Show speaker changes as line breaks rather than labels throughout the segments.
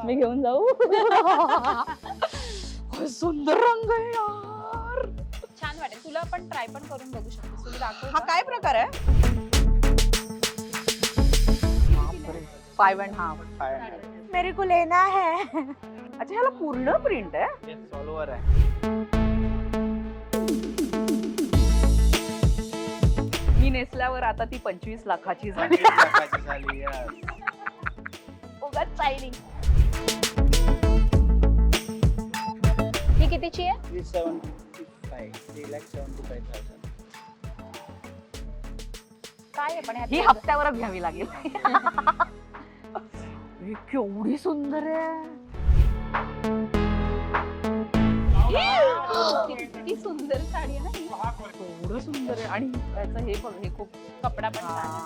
मी घेऊन जाऊ. काय सुंदर रंग आहे यार.
छान वाटेल तुला, पण ट्राय पण करून बघू शकतो. तुला दाखव.
हा काय प्रकार आहे? 5.5. मेरे को लेना है. अच्छा ह्याला पूर्ण प्रिंट आहे.
ऑल ओव्हर आहे.
मी नेसल्यावर आता ती 25 लाखाची झाली.
25 लाखाची झाली. yes.
उगाच चायनिंग.
ही कितीची आहे?
3,75,000.
काय आहे पण ह्यात?
ही हप्त्यावरच घ्यावी लागेल. ही केवढी सुंदर आहे.
किती सुंदर साडी आहे ना ही.
केवढं सुंदर आहे. आणि त्याचं हे बघ, हे खूप
कपडा पण छान आहे.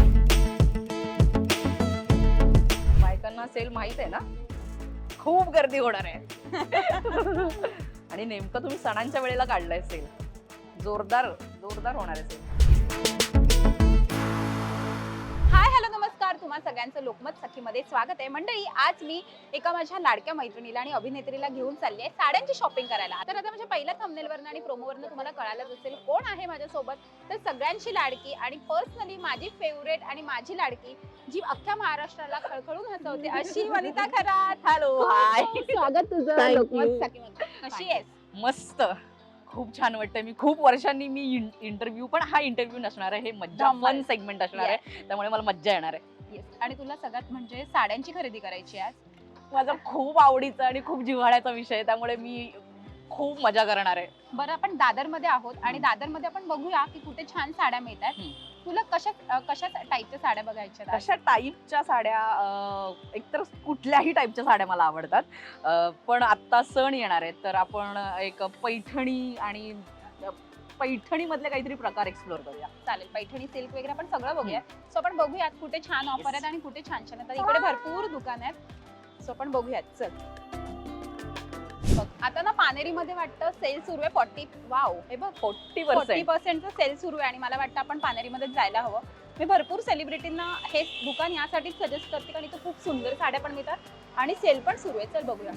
बायकांना सेल माहित आहे ना, खूप गर्दी होणार आहे. आणि नेमकं तुम्ही सणांच्या वेळेला काढलाय सेल. जोरदार जोरदार होणार आहे सेल.
हाय हॅलो नमस्कार, तुम्हा सगळ्यांचं लोकमत सखीमध्ये स्वागत आहे. मंडळी, आज मी एका माझ्या लाडक्या मैत्रिणीला आणि अभिनेत्रीला घेऊन चालली आहे साड्यांची शॉपिंग करायला. तर आता माझ्या पहिल्या थंबनेलवरनं आणि प्रोमोवरनं तुम्हाला कळालंच असेल कोण आहे माझ्यासोबत. तर सगळ्यांची लाडकी आणि पर्सनली माझी फेवरेट आणि माझी लाडकी, जी अख्ख्या महाराष्ट्राला खळखळून हसवते, अशी वनिता खरात.
हॅलो, हाय.
स्वागत तुझं
Thank
लोकमत
you.
सखीमध्ये. कशी आहेस?
मस्त, खूप छान वाटतंय. मी खूप वर्षांनी मी इंटरव्ह्यू, पण हा इंटरव्ह्यू नसणार आहे, हे मज्जा फन सेगमेंट असणार आहे, त्यामुळे मला मज्जा येणार आहे.
येस. आणि तुला सगळ्यात म्हणजे साड्यांची खरेदी करायची आहे आज.
माझा खूप आवडीचा आणि खूप जिव्हाळ्याचा विषय आहे, त्यामुळे मी खूप मजा करणार आहे.
बरं, आपण दादरमध्ये आहोत आणि दादरमध्ये आपण बघूया की कुठे छान साड्या मिळतात. तुला कशा टाईपच्या साड्या बघायच्या?
कशा टाईपच्या साड्या? एकतर कुठल्याही टाईपच्या साड्या मला आवडतात, पण आत्ता सण येणार आहेत, तर आपण एक पैठणी आणि पैठणी मधले काहीतरी प्रकार एक्सप्लोर करूया.
चालेल, पैठणी सिल्क वगैरे आपण सगळं बघूया. सो आपण बघूयात कुठे छान ऑफर आहेत आणि कुठे छान छान आहेत. इकडे भरपूर दुकान आहेत, सो आपण बघूयात. चल बघ, आता ना पानेरीमध्ये वाटतं सेल सुरू आहे. 40 वाव, हे बघ 40% सेल सुरू आहे आणि मला वाटतं आपण पानेरीमध्ये जायला हवं. मी भरपूर सेलिब्रिटींना हे दुकान यासाठीच सजेस्ट करते कारण इथे खूप सुंदर साड्या पण मिळतात आणि सेल पण सुरू आहे. चल बघूया.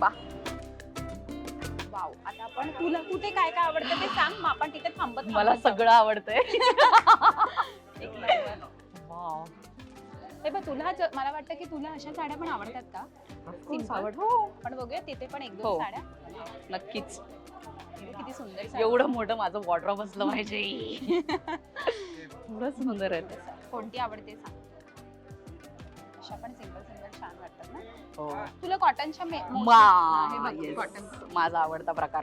वाव, आता आपण तुला कुठे काय काय आवडतं ते सांग, मग आपण तिथे थांबत.
मला सगळं आवडतंय.
एक नंबर. वाव, हे बघ, तुला मला वाटतं की तुला अशा साड्या पण आवडतात का? पण बघूया तिथे पण एक दोन साड्या.
नक्कीच.
किती सुंदर साड्या.
एवढं मोठं माझं वॉर्डरोब असलं पाहिजे. एवढं सुंदर आहे.
कोणती आवडते सांग. अशा पण सिंगल सिंगल छान वाटतात ना.
हो.
तुला कॉटनच्या
कॉटन माझा आवडता प्रकार.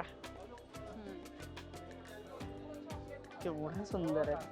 केवढं सुंदर आहे.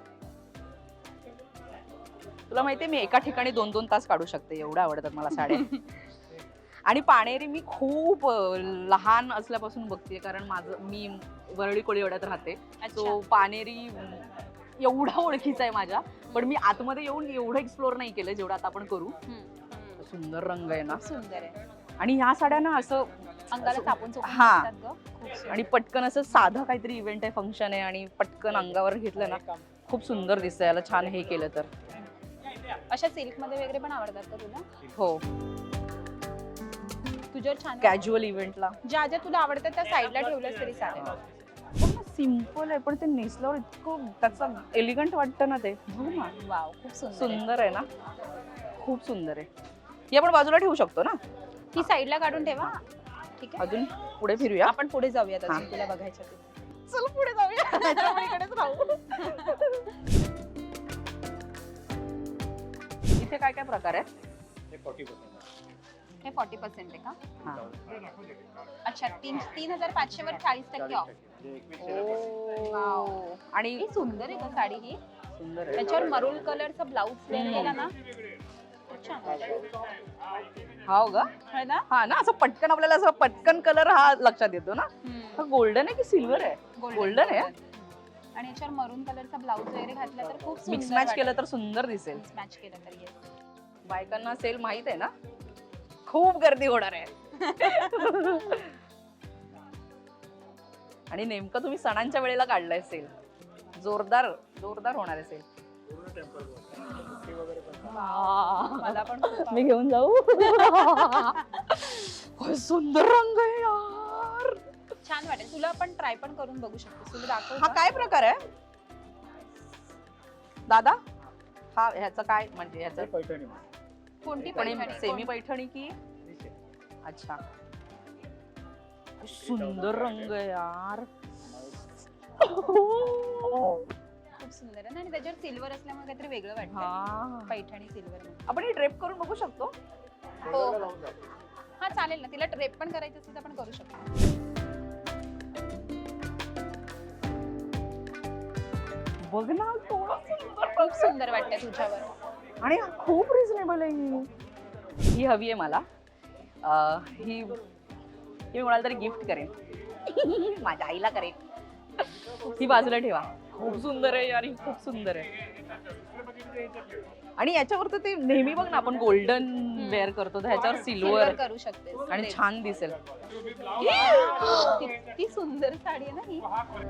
तुला माहितीये, मी एका ठिकाणी 2-2 तास काढू शकते, एवढ्या आवडतात मला साड्या. आणि पाणेरी मी खूप लहान असल्यापासून बघते, कारण मी वरळी कोळीवाड्यात राहते. सो पाणेरी एवढा ओळखीचा आहे माझ्या, पण मी आतमध्ये येऊन एवढं एक्सप्लोर नाही केलं जेवढं आता आपण करू. सुंदर रंग आहे ना,
सुंदर आहे.
आणि ह्या साड्या ना असं
अंगाला चापून
हा, आणि पटकन असं साधं काहीतरी इव्हेंट आहे, फंक्शन आहे, आणि पटकन अंगावर घेतलं ना खूप सुंदर दिसतंय. याला छान हे केलं तर.
अशा सिल्क मध्ये वगैरे पण आवडतात का तुला?
हो,
तुझ्यावर छान
कॅज्युअल इव्हेंटला
ज्या ज्या तुला आवडतात त्या साईडला ठेवल्यास तरी चालेल.
सिम्पल आहे, पण ते नेसल्यावर इतकं त्याचं एलिगंट वाटतं ना ते.
वाव, खूप सुंदर
सुंदर आहे ना, खूप सुंदर आहे. ही आपण बाजूला ठेवू शकतो ना,
ही साईडला काढून ठेवा. ठीक आहे,
अजून पुढे फिरूया.
आपण पुढे जाऊयात. अजून तुला बघायच्या ते.
चल पुढे जाऊया. इकडेच राहू. इथे काय काय प्रकार आहे?
हे 40% आहे का? अच्छा, 3,500 वर 40% ऑफ.
आणि
ही सुंदर आहे का साडी? ही
सुंदर आहे.
त्याच्यावर मरून कलरचा ब्लाउज केला ना, छान
हो ग,
आहे ना.
हा ना, असं पटकन आपल्याला असं पटकन कलर हा लक्षात येतो ना. हा गोल्डन आहे की सिल्वर आहे? गोल्डन आहे.
आणि याच्यावर मरून कलरचा ब्लाउज वगैरे घातला तर खूप
मिक्स मॅच केलं तर सुंदर दिसेल.
मॅच केलं तर. येस,
बायकांना सेल माहित आहे ना, खूप गर्दी होणार आहे. आणि नेमकं तुम्ही सणांच्या वेळेला काढलाय सेल. जोरदार जोरदार होणार आहे सेल.
मला पण
मी घेऊन जाऊ. काय सुंदर रंग आहे यार.
छान वाटेल तुला. पण ट्राय पण करून बघू शकतेस. तुला दाखव
हा
का?
काय प्रकार आहे दादा? हा ह्याचं काय म्हणजे ह्याचं
पैठणी
कोणती
पण
पैठणी?
सेमी पैठणी की? अच्छा, सुंदर रंग आहे यार.
खूप सुंदर आहे ना. आणि त्याच्यावर सिल्वर असल्यामुळे काहीतरी वेगळं वाटतं.
हा
पैठणी सिल्वर.
आपण ही ड्रेप करून बघू शकतो.
हो हा चालेल ना. तिला ड्रेप पण करायचं असेल तर आपण करू शकतो.
बघ ना थोडं सुंदर
खूप सुंदर वाटतंय तुझ्यावर.
आणि खूप रिझनेबल आहे ही हवी आहे मला. ही मी कोणाला तरी गिफ्ट करेन. माझ्या आईला करेन. ही बाजूला ठेवा. खूप सुंदर आहे यार, ही खूप सुंदर आहे. आणि याच्यावर तर ते नेहमी बघ ना आपण गोल्डन वेअर करतो तर ह्याच्यावर सिल्वर
करू शकते.
आणि छान दिसेल.
किती सुंदर साडी आहे ना ही.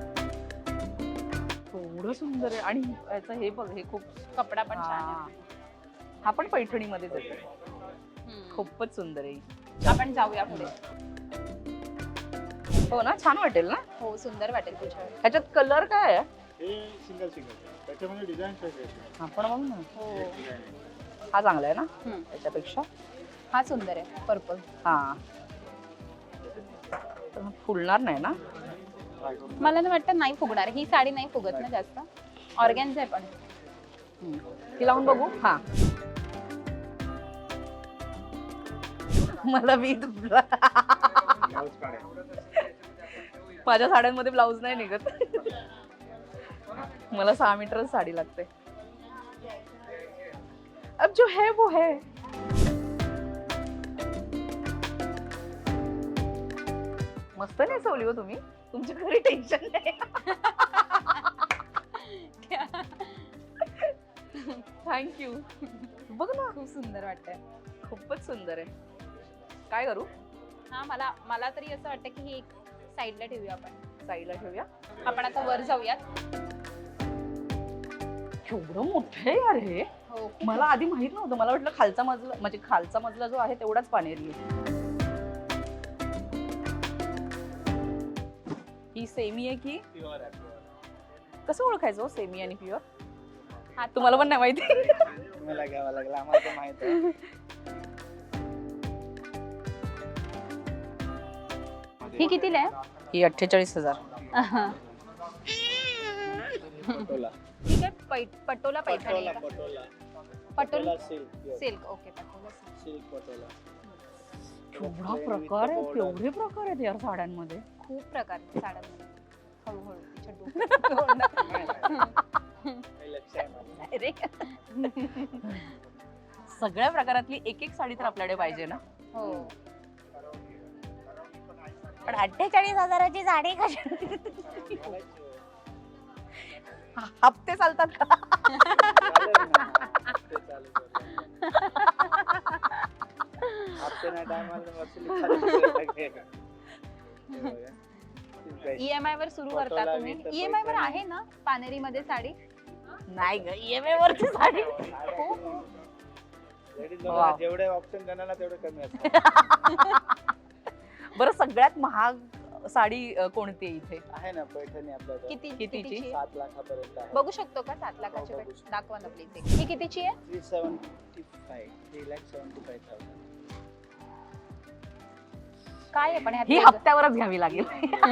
एवढं सुंदर आहे. आणि याचं हे बघ, हे खूप
कपडा पण छान आहे.
हा पण पैठणीमध्येच येतो.
हम्म.
खूपच सुंदर आहे.
आपण जाऊया पुढे.
हो ना, छान वाटेल ना.
हो सुंदर वाटेल तुझ्यावर.
ह्याच्यात कलर काय आहे?
हे सिंगल त्याच्यामध्ये डिझाईन
हा पण बघ ना,
हो
हा चांगला आहे ना
हम्म.
त्याच्यापेक्षा.
हा सुंदर आहे पर्पल.
हा तर फुलणार नाही ना.
मला ना वाटतं नाही फुगणार. ही साडी नाही फुगत ना जास्त. ऑर्गॅन्झा आहे पण.
ती लावून बघू. हा मला मी माझ्या साड्यांमध्ये ब्लाऊज नाही निघत. मला 6 मीटरच साडी लागते. अब जो है वो है. मस्त नेसवली हो तुम्ही. तुमच्या घरी टेन्शन नाही. थँक्यू. बघ ना
खूप सुंदर वाटतंय.
खूपच सुंदर आहे. काय करू?
हा मला तरी असं वाटतं की ही एक साईडला ठेवूया आपण.
साईडला ठेवूया.
आपण आता वर जाऊयात.
केवढं मोठं आहे यार हे.
हो
मला आधी माहित नव्हतं. मला वाटलं खालचा मजला म्हणजे खालचा मजला जो आहे तेवढाच पाणेरी आहे. ही सेमी आहे की कसं ओळखायचं सेमी आणि प्युअर?
हा
तुम्हाला पण नाही माहिती?
तुम्हाला घ्यावा लागला, आम्हाला तर माहित आहे.
ही कितीला आहे?
ही 48,000.
पटोला
ठीक आहे. पटोला पैठणी आहे का?
Patola
patola
silk
silk. Okay patola silk.
Silk patola.
केवढा प्रकार आहे. केवढे प्रकार आहेत यार साड्यांमध्ये.
खूप प्रकार आहेत साड्यांमध्ये. हळूहळू तिच्या डोक्यात.
लक्ष आहे मला.
अरे
सगळ्या प्रकारातली एक एक साडी तर आपल्याकडे पाहिजे ना.
हो
पण 48,000ची साडी कशी? हप्ते चालतात का?
चालेल ना. ते चालेल. हप्ते नाही टायमाला वसुली करायला लागेल. हे बघा.
EMI वर सुरू करता
पटोला
तुम्ही?
घेतं
EMI वर
पैठणी.
आहे ना पानेरी मध्ये साडी?
नाही ग, EMI वरची साडी.
Ladies
wow.
लोकांना जेवढे ऑप्शन देणार ना तेवढे कमी असतात.
बरं सगळ्यात महाग साडी कोणती आहे इथे?
आहे ना पैठणी आपल्याकडे.
कितीची
कितीची?
आहे?
7 लाखापर्यंत आहे.
बघू शकतो का 7 लाखाची
हो,
भेट?
बघू शकतो.
दाखवा ना प्लीज. ही कितीची आहे?
375,000.
काय आहे पण ह्यात
ही
वेगळं?
हप्त्यावरच घ्यावी लागेल.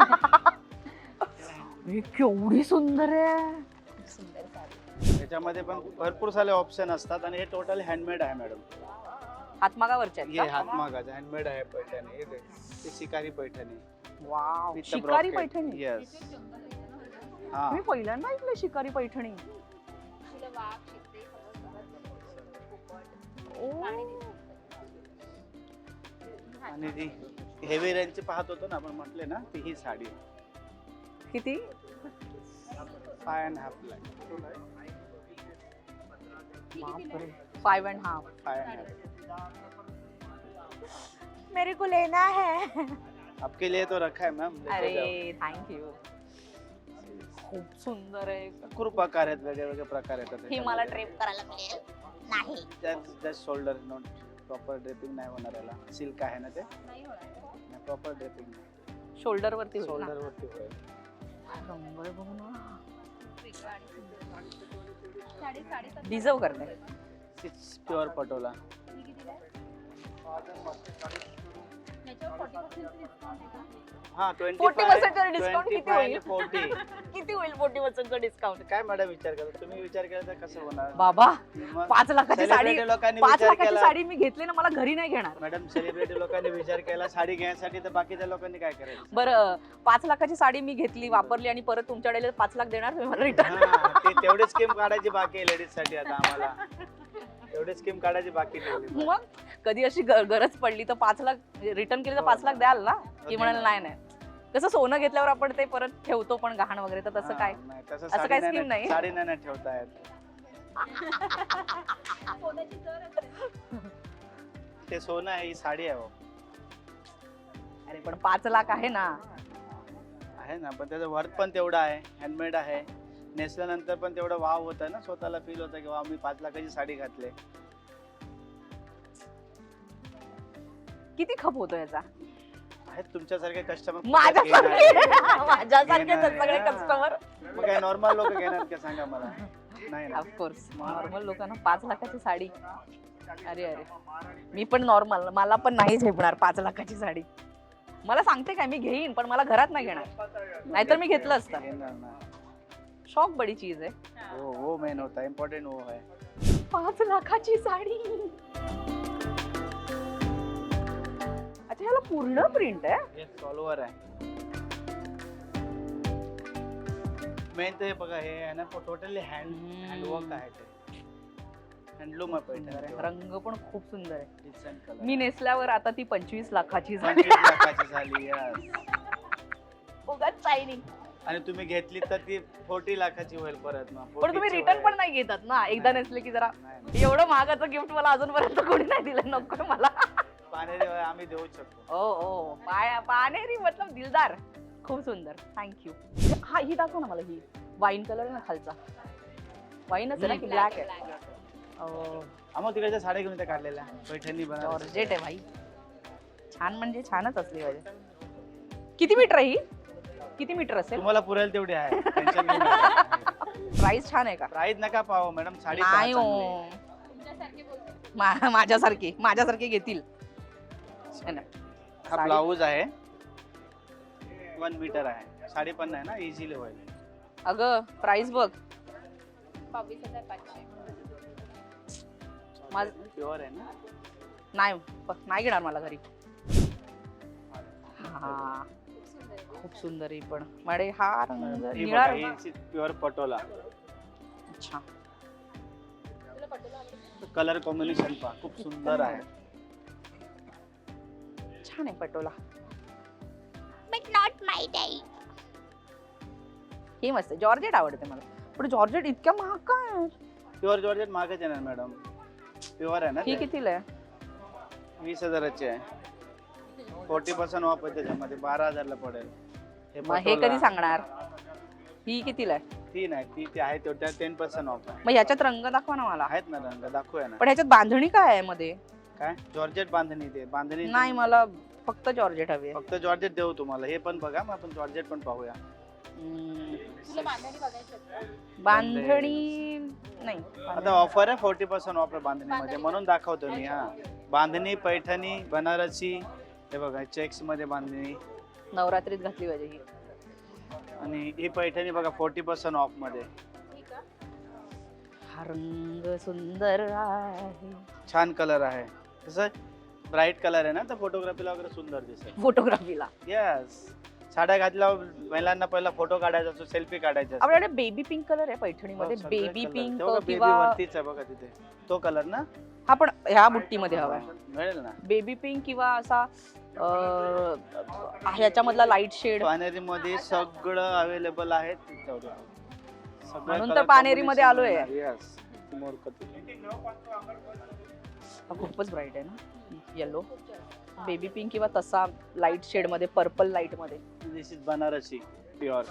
ही केवढी सुंदर आहे.
खूप सुंदर साडी.
त्याच्यामध्ये पण भरपूर सारे ऑप्शन असतात आणि हे टोटल हँडमेड आहे मॅडम.
हातमागावरचे
हे
आहेत का?
हातमागाचं हँडमेड आहे पैठणी. हे शिकारी Paithani.
Wow,
With the
shikari
brocade.
Paithani.
Yes. हा.
मी पहिल्यांदा ऐकलं शिकारी पैठणी.
तुला वाघ, चित्ते सगळं पोपट,
ओ.
आणि दिसतं.
आणि ती हेवी रेंजची पाहत होतो ना आपण म्हटले ना ती ही साडी
किती?
5.5 लाख.
5.5.
5.5.
मेरे को लेना है.
आपके लिए तो रखा है मॅम.
अरे थँक यू. खूप सुंदर आहे.
भरपूर प्रकार आहेत, वेगळे वेगळे प्रकार येतात.
ही मला ट्रेप करायला मिळेल. नाही.
Just shoulder not proper draping नाही होणार याला. सिल्क आहे ना ते,
नाही होणार
प्रॉपर ड्रेपिंग नाही.
शोल्डर वरती होईल ना?
शोल्डर वरती होईल.
रंग बघू ना,
वेगळं आणि सुंदर. साडेसात
डिझर्व करते.
प्युअर पटोला.
ही कितीला आहे? याच्यावर 40% डिस्काउंट आहे का?
हा
40% डिस्काउंट किती
25
होईल?
40.
किती होईल 40% डिस्काउंट?
काय मॅडम विचार करता तुम्ही? विचार केला तर कसं होणार?
बाबा
मग
5 लाखाची साडी,
सेलिब्रिटी लोकांनी
5
विचार
लाखाची
केला.
साडी मी घेतली ना, मला घरी नाही घेणार.
मॅडम सेलिब्रिटी लोकांनी विचार केला साडी घेण्यासाठी, तर बाकीच्या लोकांनी काय करायचं?
बरं 5 लाखाची साडी मी घेतली, वापरली आणि परत तुमच्याकडे 5 लाख देणार तुम्ही मला रिटर्न?
हा, ते तेवढी स्कीम काढायची बाकी आहे लेडीज साठी आता आम्हाला. तेवढी स्कीम काढायची बाकी ठेवली.
मग कधी अशी गरज पडली तर 5 लाख रिटर्न केली तर 5 लाख द्याल ना? की म्हणाल नाही नाही. कसं सोनं घेतल्यावर आपण ते परत ठेवतो पण गहाण वगैरे, तर तसं काय?
नाही, तसं
असं
साडी
काही
नाही
scheme नाही?
साडी नाही ना ठेवता येत.
सोन्याची दर असते.
ते सोनं आहे, ही साडी आहे हो.
अरे पण 5 लाख आहे ना.
आहे ना, पण त्याचं वर्थ पण तेवढं आहे. हँडमेड आहे. नेसल्यानंतर पण तेवढं वाव होतं ना, स्वतःला फील होतं की वाव मी 5 लाखाची साडी घातली.
किती खप होतो याचा?
आहेत तुमच्यासारखे कस्टमर.
माझ्यासारखे सगळे कस्टमर.
मग काय नॉर्मल लोक घेणार का सांगा मला? नाही ना.
ऑफकोर्स नॉर्मल लोकांना 5 लाखाची साडी. अरे अरे, मी पण नॉर्मल, मला पण नाही झेपणार 5 लाखाची साडी. मला सांगते काय, मी घेईन पण मला घरात नाही घेणार, नाहीतर मी घेतलं असतं.
घेणार ना.
शॉक बडी चीज आहे.
वो मेन होता है, इम्पोर्टेंट वो है.
5 लाखाची साडी. अच्छा, ह्याला पूर्ण प्रिंट आहे?
सॉल्वर आहे. मेन ते बघा, हे आहे ना टोटली हँडवर्क आहे. ते हँडलूम आहे. पैठणी
रंग पण खूप सुंदर आहे.
Decent colour.
मी नेसल्यावर आता ती 25 लाखाची झाली.
25 लाखाची झाली. yes.
उगाच शायनिंग.
आणि तुम्ही घेतली तर ती 40 लाखाची होईल परत मग.
पण तुम्ही
40 ची
रिटर्न
होईल.
पण नाही घेतात ना, एकदा नेसले की जरा.
नाही.
एवढं महागाचं गिफ्ट मला अजूनपर्यंत कोणी नाही दिलं, नको मला.
पानेरी आम्ही देऊ शकतो.
ओ पानेरी मतलब दिलदार. खूप सुंदर, थँक्यू. हा, ही दाखव ना मला. ही वाईन कलर आहे ना खालचा. वाईनच आहे ना की ब्लॅक आहे?
आम्हाला तिकडच्या साड्या घेऊन त्या काढलेल्या पैठणी
जॉर्जेट आहे भाई. छान म्हणजे छानच असली पाहिजे. किती मीटर आहे ही? किती मीटर असेल?
तुम्हाला पुरेल तेवढी आहे. टेन्शन घेऊ नका.
प्राइस छान आहे का?
प्राईस नका पाहू मॅडम, साडी
नाही
पहा
हो,
चांगली.
तुमच्यासारखे बोलते.
माझ्यासारखे घेतील. है ना?
हा ब्लाऊज आहे. 1 मीटर आहे. साडी पण नाही ना, इझिली होईल.
अगं प्राइस बघ.
22,500.
प्युअर आहे ना.
नाही घेणार मला घरी. हा,
खूप सुंदर आहे.
खूप सुंदर आहे पण. मॅडे हा रंग
ही
निळा
बघा,
रंग.
ही प्युअर पटोला.
अच्छा,
तुला पटोला आवडतो?
कलर कॉम्बिनेशन पहा, खूप सुंदर आहे.
छान आहे Patola.
But not my type.
हे मस्त आहे. जॉर्जेट आवडते मला, पण जॉर्जेट इतक्या महाग काय?
प्युअर जॉर्जेट मागच येणार मॅडम. प्युअर आहे ना
ही
ते.
कितीला आहे?
20,000ची आहे. 40% ऑफ आहे त्याच्यामध्ये. 12,000ला पडेल.
मग हे
पटोला.
कधी सांगणार? ही कितीला आहे?
ती नाही, ती आहे तेवढ्या 10% ऑफ आहे.
मग ह्याच्यात रंग दाखवा ना मला.
आहेत ना रंग, दाखवूया ना.
पण ह्याच्यात बांधणी काय आहे मध्ये?
काय जॉर्जेट बांधणी? ते बांधणी
नाही, मला फक्त जॉर्जेट हवी आहे.
फक्त जॉर्जेट देऊ तुम्हाला. हे पण बघा, मग आपण जॉर्जेट पण पाहूया.
तुला बांधणी बघायची होती का?
बांधणी नाही.
आता ऑफर आहे 40% ऑफ आहे बांधणीमध्ये, म्हणून दाखवतो मी. हा, बांधणी, पैठणी, बनारसी. हे बघा, चेक्स मध्ये बांधणी.
नवरात्रीत घातली पाहिजे ही.
आणि ही पैठणी बघा 40% ऑफ मध्ये.
ठीक आहे.
हा रंग सुंदर आहे.
छान कलर आहे. तसं ब्राईट कलर आहे ना, तर फोटोग्राफीला वगैरे सुंदर दिसेल.
फोटोग्राफीला
यस. साड्या घातल्यावर महिलांना पहिला फोटो काढायचा असतो, सेल्फी काढायचा असतो.
आपल्याकडे बेबी पिंक कलर आहे पैठणीमध्ये.
हो, सगळे
बेबी
color.
पिंक
तेव्हा baby
किंवा
वरतीच आहे बघा तिथे तो कलर ना.
हा, पण ह्या बुट्टीमध्ये हवाय.
मिळेल ना.
बेबी पिंक किंवा असा ह्याच्यामधला लाईट शेड.
पानेरी मध्ये सगळं अवेलेबल आहे.
म्हणून तर पानेरीमध्ये आलोय.
यस.
हा खूपच ब्राईट आहे ना. येलो, बेबी पिंक किंवा तसा लाईट शेड मध्ये, पर्पल लाईट मध्ये.
This is Banarasi pure.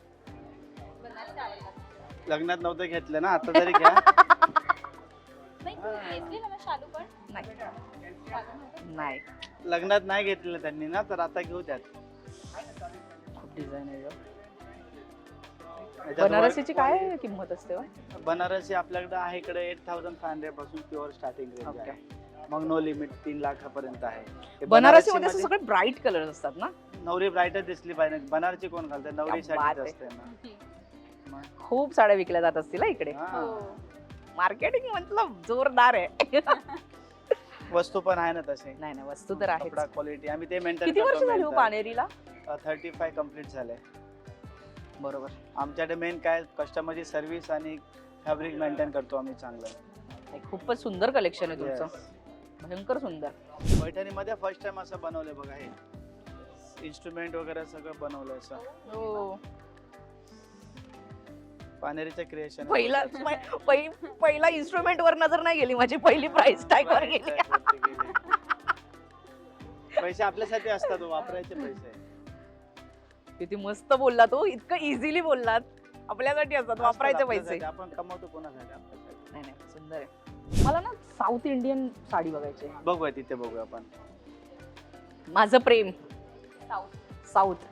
Banarasi आवडतात.
लग्नात नव्हतं घेतलं ना, आता तरी घ्या.
नाही तू नेसलेला ना शालू पण
नाही
शालू नव्हतं?
नाही
लग्नात नाही घेतलेलं त्यांनी ना, तर आता घेऊ त्यात.
खूप डिझाईन आहे गं.
याच्यात
बनारसीची काय किंमत असते हो?
बनारसी आपल्याकडे आहे इकडे 8500 पासून प्युअर स्टार्टिंग रेंज
Okay.
आहे. मग नो लिमिट 3 लाखापर्यंत आहे. हे
बनारसी मध्ये
बनारसीमध्ये
सगळे ब्राईट कलर असतात ना.
नवरी ब्राईटच दिसली पाहिजे. बनारसी कोण घालते?
क्या
नवरीसाठीच
बात आहे.
असते ना. मग,
खूप साड्या विकल्या जात असतील हा इकडे.
हा.
हो.
मार्केटिंग मतलब जोरदार आहे.
वस्तू पण आहे ना तसे.
नाही नाही वस्तू तर आहे.
कपडा क्वालिटी आम्ही ते मेंटेन
किती वर्ष झाली हो पानेरीला?
35 कम्प्लीट झाले.
बरोबर.
आमच्याकडे मेन काय कस्टमरची सर्व्हिस आणि फॅब्रिक मेंटेन करतो आम्ही चांगलं.
नाही, खूपच सुंदर कलेक्शन आहे तुमचं.
Yes.
भयंकर सुंदर.
पैठणीमध्ये फर्स्ट टाइम असं बनवलंय बघा हे. इन्स्ट्रुमेंट वगैरे सगळं बनवलंय असं.
हो.
पानेरीचं क्रिएशन.
पहिला इन्स्ट्रुमेंट वर नजर नाही गेली माझी, पहिली प्राइस टॅग वर गेली.
पैसे आपल्यासाठी असतात, वापरायचे पैसे.
किती मस्त बोलला तो, इतकं इझिली बोललात. आपल्यासाठी असतात वापरायचे पैसे.
आपल्यासाठी. आपण कमवतो कोणासाठी? आपल्यासाठी.
नाही नाही सुंदर आहे. मला ना साऊथ इंडियन साडी बघायची आहे.
बघूया तिथे बघूया आपण.
माझं प्रेम
साऊथ.
साऊथ.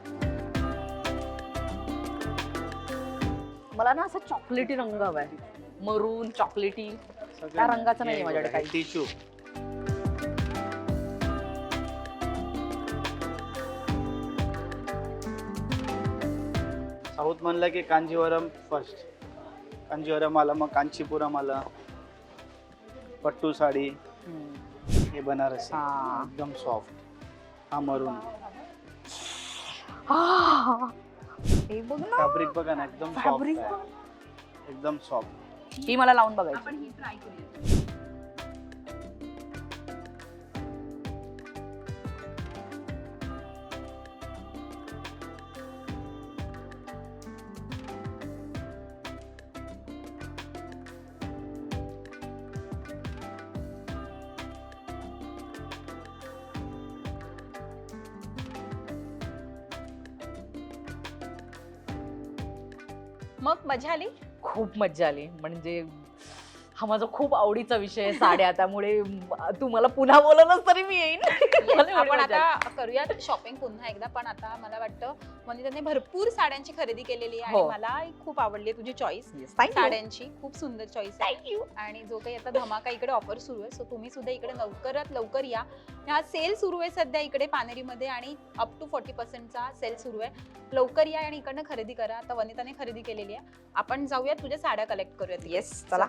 मला ना असा चॉकलेटी रंग हवाय, मरून चॉकलेटी. त्या रंगाचं नाहीये माझ्याकडे काही.
टिश्यू. साऊथ म्हणलं की कांजीवरम फर्स्ट. कांजीवरम आला, मग कांचीपुरम आला, पट्टू साडी, हे बनारसी
हा.
एकदम सॉफ्ट. हा मरून.
हे बघ ना
फॅब्रिक बघा ना, एकदम
फॅब्रिक.
सॉफ्ट, एकदम सॉफ्ट.
ही मला लावून बघायची.
आपण ही ट्राय करूया. मग मजा आली?
खूप मज्जा आली. म्हणजे हा माझा खूप आवडीचा विषय आहे साड्या, त्यामुळे तू मला पुन्हा बोलवलंस तरी मी येईन. मला एवढी
आपण
मजा आली.
आता करूयात शॉपिंग पुन्हा एकदा, पण आता मला वाटतं वनिताने भरपूर साड्यांची खरेदी केलेली आहे आणि
हो.
मला खूप आवडली तुझी चॉईस
Yes, thank you.
साड्यांची. खूप सुंदर चॉईस आहे.
Thank you.
आणि जो काही आता धमाका इकडे ऑफर सुरू आहे, सो तुम्ही सुद्धा इकडे लवकरात लवकर या. हा सेल सुरू आहे सध्या इकडे पानेरीमध्ये आणि अप टू 40%चा सेल सुरू आहे. लवकर या आणि इकडनं खरेदी करा. आता वनिताने खरेदी केलेली आहे. आपण जाऊयात तुझ्या साड्या कलेक्ट करूयात.
येस चला.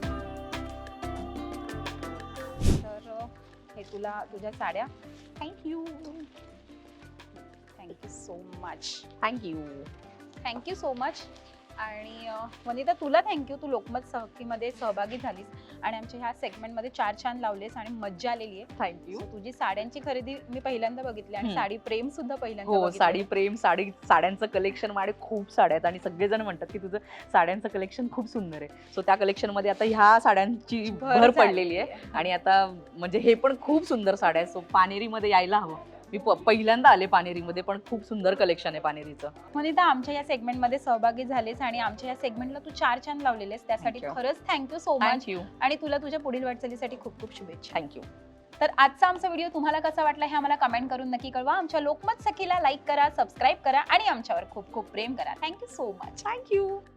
तर हे तुला तुझ्या साड्या. Thank you. Thank you so much.
Thank you.
Thank you so much. आणि वनिता तुला थँक्यू. तू लोकमत सहकीमध्ये सहभागी झालीस आणि आमच्या ह्या सेगमेंटमध्ये 4 छान लावलेस आणि मज्जा आलेली आहे.
थँक्यू.
So, तुझी साड्यांची खरेदी मी पहिल्यांदा बघितली आणि साडी प्रेम सुद्धा पहिल्यांदा
हो
बघितलं.
साडी प्रेम, साड्यांचं कलेक्शन माझे खूप साड्या आहेत आणि सगळेजण म्हणतात की तुझं साड्यांचं कलेक्शन खूप सुंदर आहे. सो त्या कलेक्शन मध्ये आता ह्या साड्यांची भर पडलेली आहे आणि आता म्हणजे हे पण खूप सुंदर साड्या आहेत. सो पानेरीमध्ये यायला हवं. मी पहिल्यांदा आले पानेरीमध्ये, पण खूप सुंदर कलेक्शन आहे पानेरीचं.
वनिता आमच्या या सेगमेंटमध्ये सहभागी झालेस आणि आमच्या या सेगमेंटला तू 4 छान लावलेलेस त्यासाठी
Thank you.
खरंच थँक्यू सो मच.
थँक्यू.
आणि तुला तुझ्या पुढील वाटचालीसाठी खूप खूप शुभेच्छा.
थँक्यू.
तर आजचा आमचा व्हिडिओ तुम्हाला कसा वाटला हे आम्हाला कमेंट करून नक्की कळवा. आमच्या लोकमत सखीला लाईक करा, सबस्क्राईब करा आणि आमच्यावर खूप खूप प्रेम करा. Thank you so much.
थँक्यू.